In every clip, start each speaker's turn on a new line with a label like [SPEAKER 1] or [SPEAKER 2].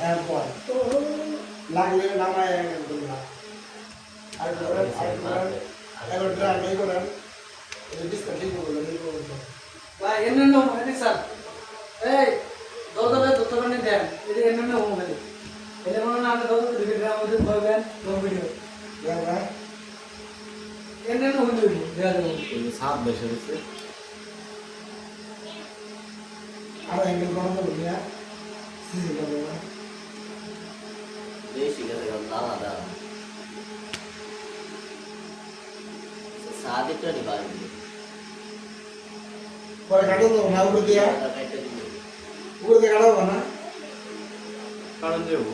[SPEAKER 1] এরপর লাগলে নামায় একদম না আর করেন এবার ড্রাম এই করেন এই ডিসকা ঠিক করবেন এই করবেন
[SPEAKER 2] ভাই এমন না মানে স্যার এই দরকারে দরকারে দেন এটা এমন না হবে এটা মনে না আমরা দরকারে দিকে গ্রাম মধ্যে করবেন লং ভিডিও
[SPEAKER 1] হ্যাঁ
[SPEAKER 2] এমন না হইলো দেয়া যাবে
[SPEAKER 3] কিন্তু সাত বেশি হচ্ছে
[SPEAKER 1] আর অ্যাঙ্গেল বানানো হবে না সিজি করবে না
[SPEAKER 4] বেশি গেছে দাঁড়া দাঁড়া সাদিকটা নিবারণ
[SPEAKER 1] পরে কাটো তো না উপরে দিয়া উপরে দিয়ে কাটাবো না
[SPEAKER 3] কারণ যাবো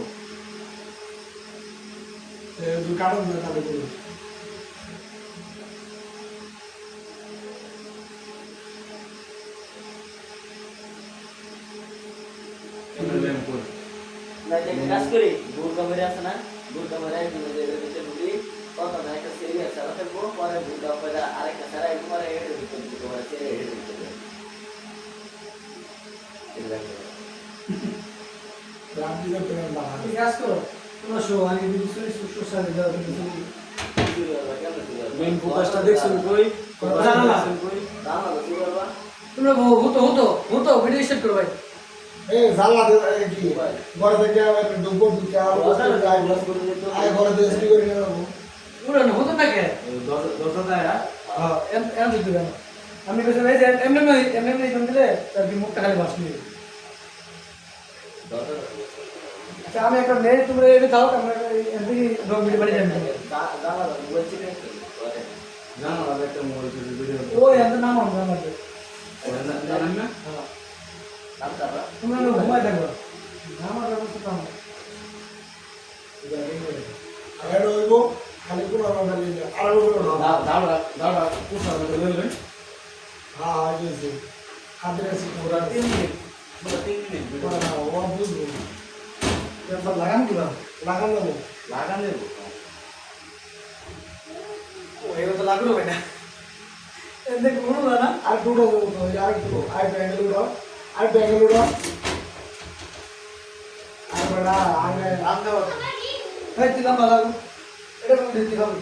[SPEAKER 1] তুই কাটো না তাহলে করবো
[SPEAKER 4] কাজ করি বুড়কা মেরে আছে না বুড়কা মেরে ঢুকি কত না একটা সিরিয়াস সারা থাকবো পরে বুড়কা মেরে আরেকটা সারা একবারে হেঁটে ঢুকতে বুড়কা মেরে ছেড়ে হেঁটে ঢুকতে
[SPEAKER 1] রাত দিকে প্রেম বাড়া
[SPEAKER 2] ঠিক কাজ করো তোমরা শো আগে ভিডিও সোশ্যাল মিডিয়া কিছু
[SPEAKER 3] মেইন ফোকাসটা দেখছেন কই
[SPEAKER 2] জানালা
[SPEAKER 3] কই
[SPEAKER 4] দাঁড়া কি করবা
[SPEAKER 2] তোমরা হতো ভিডিও স্টার্ট করো ভাই
[SPEAKER 1] এই জানলা দে কি ঘরে থেকে আবার ডুবো ঢুকে আর আয় ঘরে দিয়ে স্টি করে নিয়ে যাবো
[SPEAKER 2] পুরো না হতো না কে
[SPEAKER 3] দরজা দেয়
[SPEAKER 2] হ্যাঁ এম দিতে দেন আমি কইছি ভাই এমনি জম দিলে তার কি মুখটা খালি বাস নিয়ে আচ্ছা আমি একটা নেই তোমরা এটা দাও আমরা এমনি ডগ ভিডিও বাড়ি যাই
[SPEAKER 4] দাঁড়া বলছি না
[SPEAKER 3] জানো আর একটা মোবাইল চুরি ভিডিও
[SPEAKER 2] ওই এত নাম আমাদের
[SPEAKER 3] জানেন না
[SPEAKER 2] হ্যাঁ
[SPEAKER 4] দাঁড়া
[SPEAKER 2] তোমরা ঘুমাই থাকো আমার ব্যবস্থা তো আমার
[SPEAKER 1] আর হইব খালি কোন আমরা নিয়ে আর হইব
[SPEAKER 3] দাঁড়া পুষা মতো লইলেন
[SPEAKER 1] হ্যাঁ হইছে হাতে আছে পুরা
[SPEAKER 2] 3 মিনিট
[SPEAKER 3] 3 মিনিট
[SPEAKER 1] পুরা ও বুঝবো
[SPEAKER 2] এবার লাগান দিবা
[SPEAKER 1] লাগান দেবো
[SPEAKER 3] লাগান দেবো
[SPEAKER 2] ও এবার তো লাগলো ভাই না এতে কোনো না
[SPEAKER 1] আর টুটো দেবো তো আর একটু আর ব্যাঙ্গেল উড়ো আর ব্যাঙ্গেল উড়ো আর বড়া আগে আগে
[SPEAKER 2] ভাই দিলাম ভালো এটা কোন দিতে হবে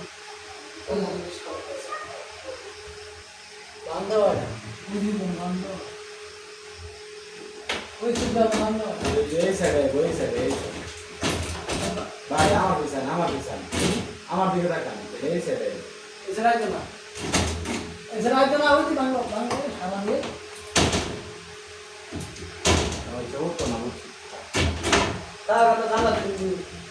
[SPEAKER 1] বান্ধব
[SPEAKER 2] বুঝি বন্ধ ওই সুদা বন্ধ
[SPEAKER 3] এই সাইডে ভাই আমার পিছনে আমার দিকে তাকান এই সাইডে
[SPEAKER 2] এছাড়া আইতো না ওই বাংলো সামনে
[SPEAKER 3] আমার চোখ তো না
[SPEAKER 2] তা কথা জানা তুমি